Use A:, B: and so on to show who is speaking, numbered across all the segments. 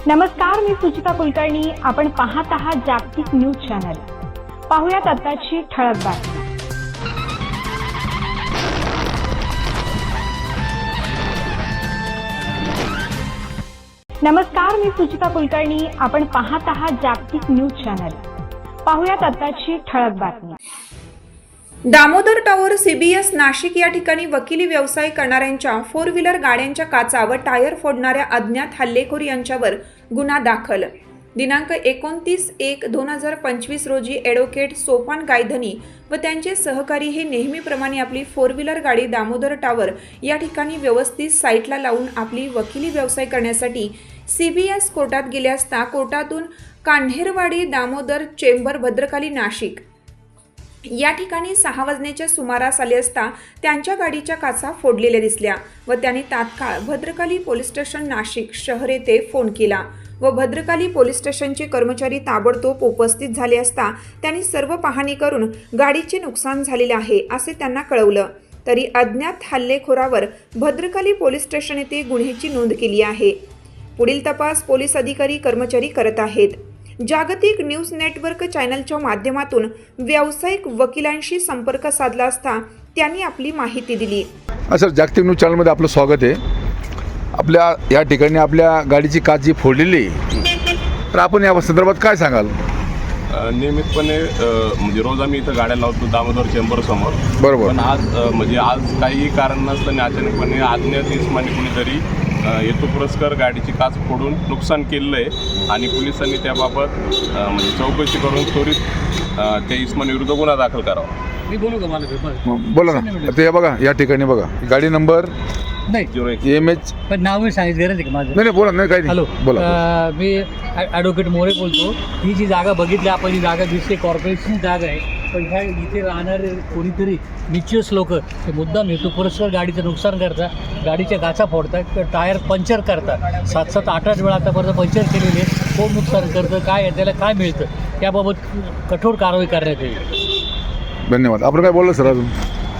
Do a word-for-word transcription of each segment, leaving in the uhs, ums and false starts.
A: नमस्कार, मी सुचिता कुलकर्णी. आपण पाहत आहात जागतिक न्यूज चॅनल. पाहुयात आताची ठळक बातमी. नमस्कार, मी सुचिता कुलकर्णी. आपण पाहत आहात जागतिक न्यूज चॅनल. पाहुयात आताची ठळक बातमी.
B: दामोदर टॉवर सीबीएस नाशिक या ठिकाणी वकिली व्यवसाय करणाऱ्यांच्या फोर व्हीलर गाड्यांच्या काचा व टायर फोडणाऱ्या अज्ञात हल्लेखोर यांच्यावर गुन्हा दाखल. दिनांक एकोणतीस एक दोन हजार पंचवीस रोजी ॲडव्होकेट सोपान गायधनी व त्यांचे सहकारी हे नेहमीप्रमाणे आपली फोर व्हीलर गाडी दामोदर टॉवर या ठिकाणी व्यवस्थित साईटला लावून आपली वकिली व्यवसाय करण्यासाठी सीबीएस कोर्टात गेले असता कोर्टातून कान्हेरवाडी दामोदर चेंबर भद्रकाली नाशिक या ठिकाणी सहा वाजण्याच्या सुमारास आले असता त्यांच्या गाडीच्या काचा फोडलेल्या दिसल्या व त्यांनी तात्काळ भद्रकाली पोलीस स्टेशन नाशिक शहर येथे फोन केला व भद्रकाली पोलीस स्टेशनचे कर्मचारी ताबडतोब उपस्थित झाले असता त्यांनी सर्व पाहणी करून गाडीचे नुकसान झालेले आहे असे त्यांना कळवलं. तरी अज्ञात हल्लेखोरावर भद्रकाली पोलीस स्टेशन येथे गुन्ह्याची नोंद केली आहे. पुढील तपास पोलीस अधिकारी कर्मचारी करत आहेत. जागतिक न्यूज नेटवर्क चॅनलच्या माध्यमातून व्यावसायिक वकिलांशी संपर्क साधला असता त्यांनी आपली माहिती दिली.
C: सर, जागतिक न्यूज चॅनलमध्ये आपलं स्वागत आहे. आपल्या या ठिकाणी आपल्या गाडीची काच जी फोडलेली, तर आपण या संदर्भात काय सांगाल?
D: नियमितपणे म्हणजे रोज आम्ही इथं गाड्या लावतो दामोदर चेंबर समोर.
C: बरोबर.
D: पण आज म्हणजे आज काही कारण नसताना अचानकपणे अज्ञात इसमाने कुणीतरी हेतू पुरस्कार गाडीची काच फोडून नुकसान केलेलं आहे आणि पोलिसांनी त्याबाबत म्हणजे चौकशी करून त्वरित त्या इस्मानीविरुद्ध गुन्हा दाखल करावा.
E: मी बोलू का? मला
C: बोला ना. ते बघा, या ठिकाणी बघा गाडी नंबर
E: नाही
C: एम एच
E: पण नाव सांगितलं गरज आहे का माझं?
C: नाही नाही बोला. नाही काही
E: हॅलो,
C: बोला.
E: मी ॲडव्होकेट मोरे बोलतो. ही जी जागा बघितली आपण, ही जागा दिसते कॉर्पोरेशनची जागा आहे. पण ह्या इथे राहणारे कोणीतरी निश्चित लोक ते मुद्दाम हेतू पुरस्कार गाडीचं नुकसान करतात, गाडीच्या काचा फोडतात, टायर पंक्चर करतात. सात सात आठ आठ वेळा आतापर्यंत पंक्चर केलेले, कोण नुकसान करतं, काय आहे, त्याला काय मिळतं, त्याबाबत कठोर कारवाई करण्यात येईल.
C: धन्यवाद. आपण काय बोललं सर अजून?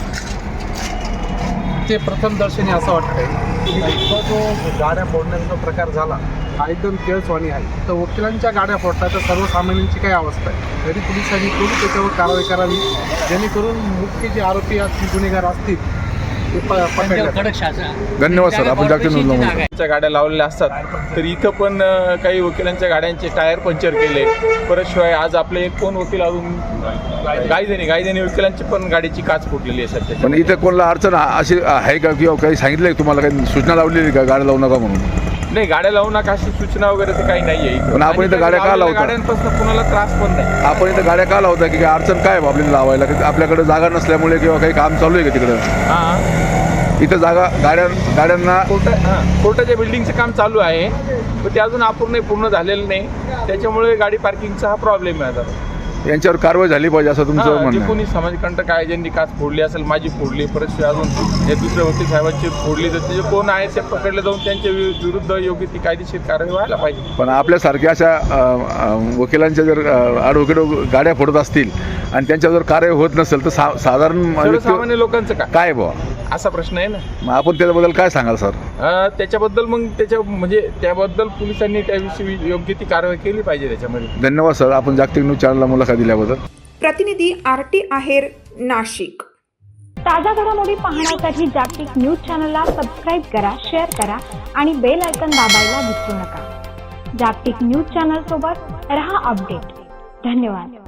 F: ते प्रथम दर्शनी असं वाटतंय की इथं जो गाड्या फोडण्याचा प्रकार झाला हा एकदम केळसवाणी आहे. तर वकिलांच्या गाड्या फोडतात तर सर्वसामान्यांची काय अवस्था आहे. तरी पोलिसांनी त्वरित त्याच्यावर कारवाई करावी जेणेकरून मुख्य जे आरोपी असतील, गुन्हेगार असतील ते पकडले.
E: कडक शासन.
C: धन्यवाद सर. आपण जागतिक न्यूज लावून
G: च्या गाड्या लावलेल्या असतात, तर इथं पण काही वकिलांच्या गाड्यांचे टायर पंक्चर केले. परत शिवाय आज आपले कोण वकील अजून गायधनी गायधनी वकिलांची पण गाडीची काच फुटलेली आहे सध्या.
C: पण इथे कोणाला अडचण अशी आहे का, किंवा काही सांगितलं आहे तुम्हाला, काही सूचना लावलेली का गाड्या लावू नका म्हणून?
G: नाही, गाड्या लावू नका अशी सूचना वगैरे तर काही नाही आहे.
C: पण आपण इथं गाड्या का लावतो?
G: गाड्यांपासून कुणाला त्रास पण नाही.
C: आपण इथं गाड्या का लावता, की अडचण काय आहे आपल्याला लावायला? की आपल्याकडे जागा नसल्यामुळे किंवा काही काम चालू आहे का तिकडं?
G: हां,
C: इथं जागा गाड्या गाड्यांना
G: कोर्टा हां कोर्टाच्या बिल्डिंगचं काम चालू आहे, पण ते अजून अपूर्ण पूर्ण झालेलं नाही. त्याच्यामुळे गाडी पार्किंगचा हा प्रॉब्लेम आहे. आता
C: यांच्यावर कारवाई झाली पाहिजे असं तुमचं
G: जे
C: म्हणणं आहे?
G: कोणी समाजकंटक आहे, ज्यांनी काच फोडली असेल, माझी फोडली, परत अजून हे दुसऱ्या वकील साहेबांची फोडली, तर ते कोण आहे ते पकडले जाऊन त्यांच्या विरुद्ध योग्य ती कायदेशीर कारवाई व्हायला पाहिजे.
C: पण आपल्यासारख्या अशा वकिलांच्या जर ॲडव्होकेट गाड्या फोडत असतील आणि त्यांच्यावर कार्यवाही होत नसेल तर सा साधारण
G: सर्वसामान्य लोकांचं काय
C: काय बुवा
G: असा प्रश्न आहे ना.
C: मग आपण त्याच्याबद्दल काय सांगाल सर?
G: त्याच्याबद्दल मग त्याच्या म्हणजे त्याबद्दल पोलिसांनी त्याविषयी योग्य ती कारवाई केली पाहिजे त्याच्यामध्ये.
C: धन्यवाद सर. आपण जागतिक न्यूज चॅनलला मुलाखत दिल्याबद्दल.
B: प्रतिनिधी आर टी आहेर, नाशिक.
A: ताज्या घडामोडी पाहण्यासाठी जागतिक न्यूज चॅनलला सबस्क्राईब करा, शेअर करा आणि बेल आयकॉन दाबायला विसरू नका. जागतिक न्यूज चॅनल सोबत रहा अपडेट. धन्यवाद.